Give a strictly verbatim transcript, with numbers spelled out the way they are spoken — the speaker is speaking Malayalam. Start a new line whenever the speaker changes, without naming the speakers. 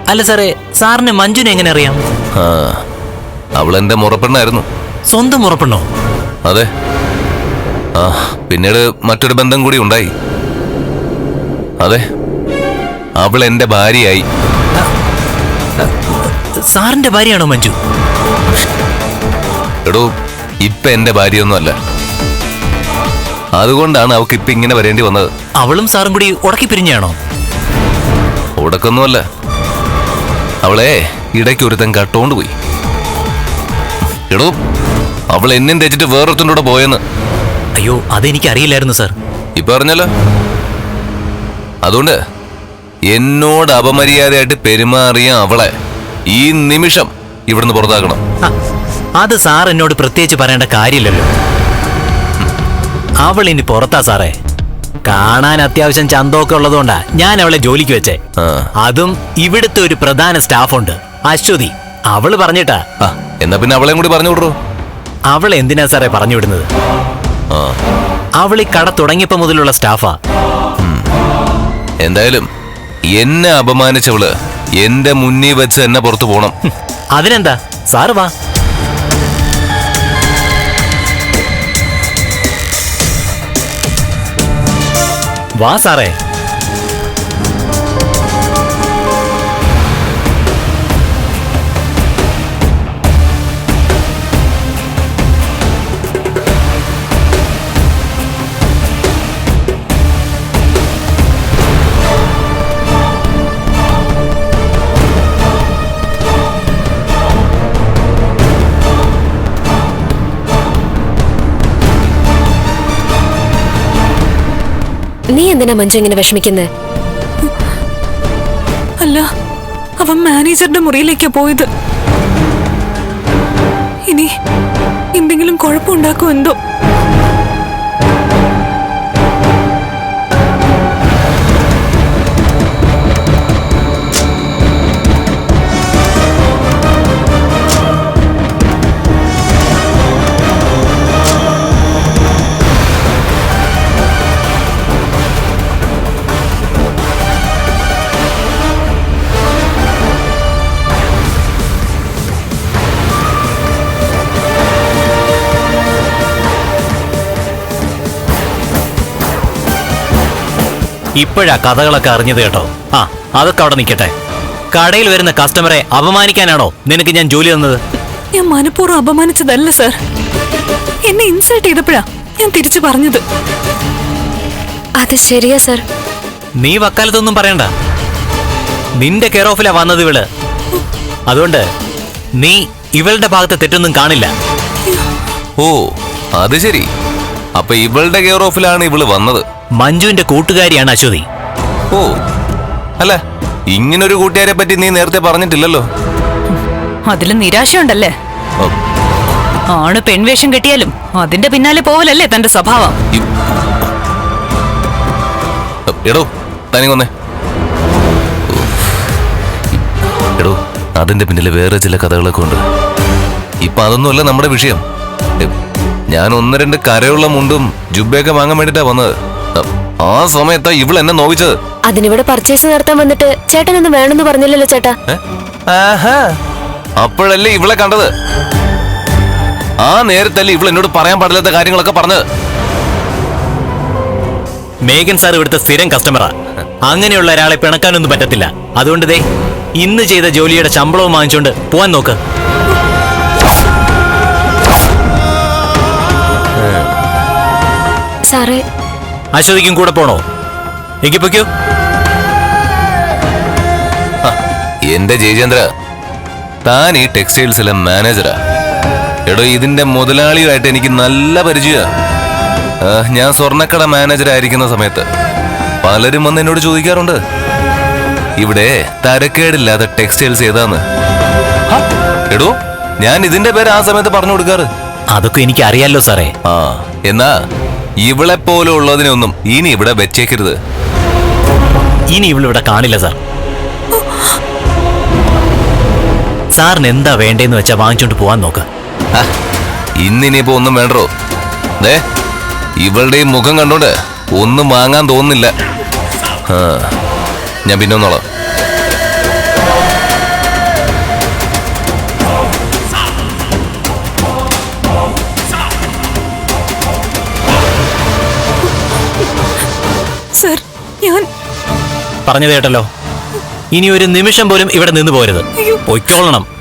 അല്ല സാറേ, സാറിന് മഞ്ജുനെ എങ്ങനെ അറിയാം?
ആ, അവളെന്റെ മുറപ്പെണ്ണായിരുന്നു.
സ്വന്തം മുറപ്പെണ്ണോ?
അതെ. ആ, പിന്നീട് മറ്റൊരു ബന്ധം കൂടി ഉണ്ടായി. അതെ, അവൾ എന്റെ ഭാര്യയായി.
സാറിന്റെ ഭാര്യയാണോ മഞ്ജു?
എടോ, ഇപ്പൊ എന്റെ ഭാര്യയൊന്നുമല്ല. അതുകൊണ്ടാണ് അവൾക്ക് ഇപ്പൊ ഇങ്ങനെ വരേണ്ടി വന്നത്.
അവളും സാറും കൂടി ഉടക്കി പിരിഞ്ഞാണോ?
ഉടക്കൊന്നുമല്ല, അവളെ ഇടയ്ക്ക് ഒരുത്തൻ കട്ടോണ്ട് പോയി. എടോ, അവൾ എന്നും തെച്ചിട്ട് വേറൊരുത്തൻ്റെ കൂടെ പോയെന്ന്.
അയ്യോ, അതെനിക്ക് അറിയില്ലായിരുന്നു സാർ.
ഇപ്പൊ അറിഞ്ഞല്ലോ. അതുകൊണ്ട് എന്നോട് അപമര്യാദയായിട്ട് പെരുമാറിയ അവളെ ഈ നിമിഷം ഇവിടുന്ന് പുറത്താക്കണം.
അത് സാർ എന്നോട് പ്രത്യേകിച്ച് പറയേണ്ട കാര്യമില്ലല്ലോ. അവൾ ഇനി പുറത്താ സാറേ. കാണാൻ അത്യാവശ്യം ചന്തമൊക്കെ ഉള്ളതുകൊണ്ടാ ഞാൻ അവളെ ജോലിക്ക് വെച്ചേ. അതും ഇവിടുത്തെ ഒരു പ്രധാന സ്റ്റാഫുണ്ട്, അശ്വതി. അവള് പറഞ്ഞിട്ടാ.
എന്നാ പിന്നെ അവളെയും കൂടി പറഞ്ഞു വിടറോ.
അവൾ എന്തിനാ സാറേ പറഞ്ഞു വിടുന്നത്? അവൾ ഈ കട തുടങ്ങിയപ്പോ മുതലുള്ള സ്റ്റാഫാ.
എന്തായാലും എന്നെ അപമാനിച്ചവള് എന്റെ മുന്നിൽ വെച്ച് എന്നെ പുറത്തു പോണം.
അതിനെന്താ, സാറ് വാ. വാ സാറേ.
നീ എന്തിനാ മഞ്ജു ഇങ്ങനെ വിഷമിക്കുന്നേ?
അല്ല, അവൻ മാനേജറുടെ മുറിയിലേക്കാ പോയത്. ഇനി എന്തെങ്കിലും കുഴപ്പമുണ്ടാക്കുമോ എന്തോ.
ഇപ്പോഴാ കഥകളൊക്കെ അറിഞ്ഞത് കേട്ടോ. ആ, അതൊക്കെ അവിടെ നിൽക്കട്ടെ. കടയിൽ വരുന്ന കസ്റ്റമറെ അപമാനിക്കാനാണോ നിനക്ക് ഞാൻ ജോലി തന്നത്?
ഞാൻ മനഃപൂർവ്വം അപമാനിച്ചതല്ല സാർ. എന്നെ ഇൻസൾട്ട് ചെയ്തപ്പോഴാ ഞാൻ തിരിച്ചു പറഞ്ഞത്.
അത് ശരിയാ സാർ.
നീ വക്കാലത്തൊന്നും പറയണ്ട. നിന്റെ കെയർ ഓഫിലാ വന്നത് ഇവള്. അതുകൊണ്ട് നീ ഇവളുടെ ഭാഗത്ത് തെറ്റൊന്നും കാണില്ല.
ഓ, അത് ശരി. അപ്പൊ ഇവളുടെ കെയർ ഓഫിലാണ് ഇവള് വന്നത്.
മഞ്ജുവിന്റെ കൂട്ടുകാരിയാണ് അശ്വതി.
ഓ, അല്ല, ഇങ്ങനൊരു കൂട്ടുകാരെ പറ്റി നീ നേരത്തെ പറഞ്ഞിട്ടില്ലല്ലോ.
അതിലും നിരാശയുണ്ടല്ലേ? ആണ് പെൺവേഷം കെട്ടിയാലും അതിന്റെ പിന്നാലെ പോവലല്ലേ തന്റെ സ്വഭാവം.
എടോ, തനിങ്ങൊന്നേ. എടോ, അതിന്റെ പിന്നില് വേറെ ചില കഥകളൊക്കെ ഉണ്ട്. ഇപ്പൊ അതൊന്നുമല്ല നമ്മുടെ വിഷയം. ഞാൻ ഒന്ന് രണ്ട് കരയുള്ള മുണ്ടും ജുബയൊക്കെ വാങ്ങാൻ വേണ്ടിട്ടാ വന്നത്. ആ സമയത്താ ഇവൾ എന്നെ നോവിച്ചത്.
അതിനിവിടെ പർച്ചേസ് നടത്താൻ വന്നിട്ട് ചേട്ടനൊന്നും വേണമെന്ന് പറഞ്ഞില്ലല്ലോ ചേട്ടാ.
അപ്പോഴല്ലേ ഇവളെ കണ്ടത്. ആ നേരത്തല്ലേ ഇവൾ എന്നോട് പറയാൻ പാടില്ലാത്ത കാര്യങ്ങളൊക്കെ പറഞ്ഞത്.
മേഘൻ സാർ ഇവിടുത്തെ സ്ഥിരം കസ്റ്റമറാ. അങ്ങനെയുള്ള ഒരാളെ പിണക്കാനൊന്നും പറ്റത്തില്ല. അതുകൊണ്ട് ദേ ഇന്ന് ചെയ്ത ജോലിയുടെ ശമ്പളവും വാങ്ങിച്ചോണ്ട് പോവാൻ നോക്ക്.
സാറേ,
അശ്വതിക്കും കൂടെ പോണോ? എനിക്ക് പൊയ്ക്കോ.
എന്റെ ജയചന്ദ്ര, താൻ ഈ ടെക്സ്റ്റൈൽസിലെ മാനേജറാ. എടോ, ഇതിന്റെ മുതലാളിയുമായിട്ട് എനിക്ക് നല്ല പരിചയമാ. ഞാൻ സ്വർണ്ണക്കട മാനേജറായിരിക്കുന്ന സമയത്ത് പലരും വന്ന് എന്നോട് ചോദിക്കാറുണ്ട്, ഇവിടെ തരക്കേടില്ലാത്ത ടെക്സ്റ്റൈൽസ് ഏതാന്ന്. എടോ, ഞാൻ ഇതിന്റെ പേര് ആ സമയത്ത് പറഞ്ഞു കൊടുക്കാറ്.
അതൊക്കെ എനിക്ക് അറിയാലോ സാറേ.
ആ, എന്നാ ഇവളെ പോലെ ഉള്ളതിനൊന്നും ഇനി ഇവിടെ വെച്ചേക്കരുത്.
ഇനി ഇവളിവിടെ കാണില്ല സാർ. സാറിന് എന്താ വേണ്ടേന്ന് വെച്ചാ വാങ്ങിച്ചോണ്ട് പോവാൻ നോക്ക.
ഇന്നിനിപ്പോ ഒന്നും വേണ്ടോ. ദേ, ഇവളുടെ മുഖം കണ്ടോണ്ട് ഒന്നും വാങ്ങാൻ തോന്നുന്നില്ല. ആ, ഞാൻ പിന്നെ ഒന്നോളാം.
ഞാൻ
പറഞ്ഞു കേട്ടല്ലോ. ഇനി ഒരു നിമിഷം പോലും ഇവിടെ നിന്ന് പോരുത്. പൊയ്ക്കോളണം.